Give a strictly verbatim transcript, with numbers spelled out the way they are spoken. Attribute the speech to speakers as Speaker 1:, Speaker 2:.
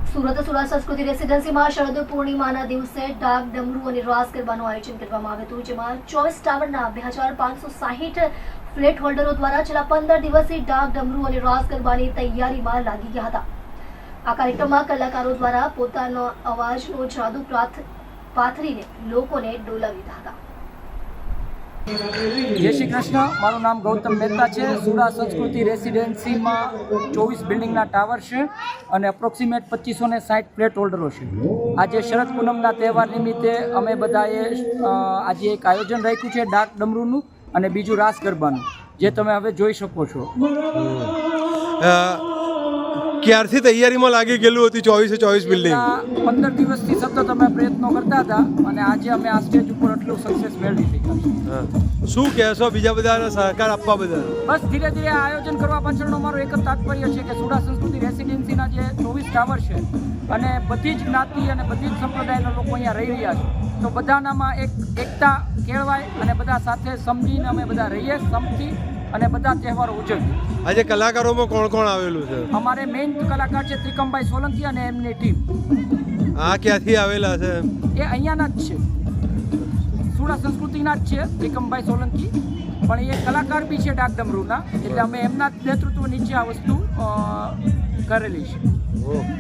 Speaker 1: સુરત સુરા સંસ્કૃતિ રેસિડેન્સીમાં શરદ પૂર્ણિમાના દિવસે ડાક ડમરૂ અને રાસ ગરબાનું આયોજન કરવામાં આવ્યું હતું, જેમાં ચોવીસ ટાવરના બે હજાર પાંચસો સાહીઠ ફ્લેટ હોલ્ડરો દ્વારા છેલ્લા પંદર દિવસથી ડાક ડમરૂ અને રાસ ગરબાની તૈયારીમાં લાગી ગયા હતા. આ કાર્યક્રમમાં કલાકારો દ્વારા પોતાનો અવાજનો જાદુ પાથરીને લોકોને ડોલાવી દીધા હતા.
Speaker 2: જય શ્રી કૃષ્ણ. મારું નામ ગૌતમ મહેતા છે. સુરા સંસ્કૃતિ રેસિડેન્સીમાં ચોવીસ બિલ્ડિંગના ટાવર છે અને અપ્રોક્સિમેટ પચીસો ને સાઠ ફ્લેટ હોલ્ડરો છે. આજે શરદ પૂનમના તહેવાર નિમિત્તે અમે બધાએ આજે એક આયોજન રાખ્યું છે ડાક ડમરૂનું અને બીજું રાસ ગરબાનું, જે તમે હવે જોઈ શકો છો.
Speaker 3: ક્યારથી તૈયારીમાં લાગી ગયેલું હતી ચોવીસે ચોવીસ બિલ્ડિંગ?
Speaker 2: પંદર દિવસથી સતત અમે પ્રયત્નો કરતા હતા અને આજે અમે આ સ્ટેજ ઉપર એટલું સક્સેસ મેળવી શક્યા છે.
Speaker 3: શું કહેશો બીજા બધાને સહકાર આપવા બદલ?
Speaker 2: બસ ધીરે ધીરે આ આયોજન કરવા પાછળનો મારો એક જ તાત્પર્ય છે કે સુરા સંસ્કૃતિ રેસિડેન્સીના જે ચોવીસ ટાવર છે અને બધી જ જ્ઞાતિ અને બધી જ સંપ્રદાયના લોકો અહીંયા રહી રહ્યા છે, તો બધાનામાં એક એકતા કેળવાય અને બધા સાથે સમજીને અમે બધા રહીએ સમથી અને બધા તહેવારો ઉજવીએ.
Speaker 3: આજે કલાકારોમાં કોણ કોણ આવેલું છે?
Speaker 2: અમારે મેઇન કલાકાર છે ત્રિકમભાઈ સોલંકી અને એમની ટીમ.
Speaker 3: આ ક્યાંથી આવેલા છે?
Speaker 2: એ અહીંયાના જ છે, સુરા સંસ્કૃતિના જ છે ત્રિકમભાઈ સોલંકી, પણ એ કલાકાર બી છે ડાક ડમરૂના, એટલે અમે એમના નેતૃત્વ નીચે આ વસ્તુ કરેલી છે.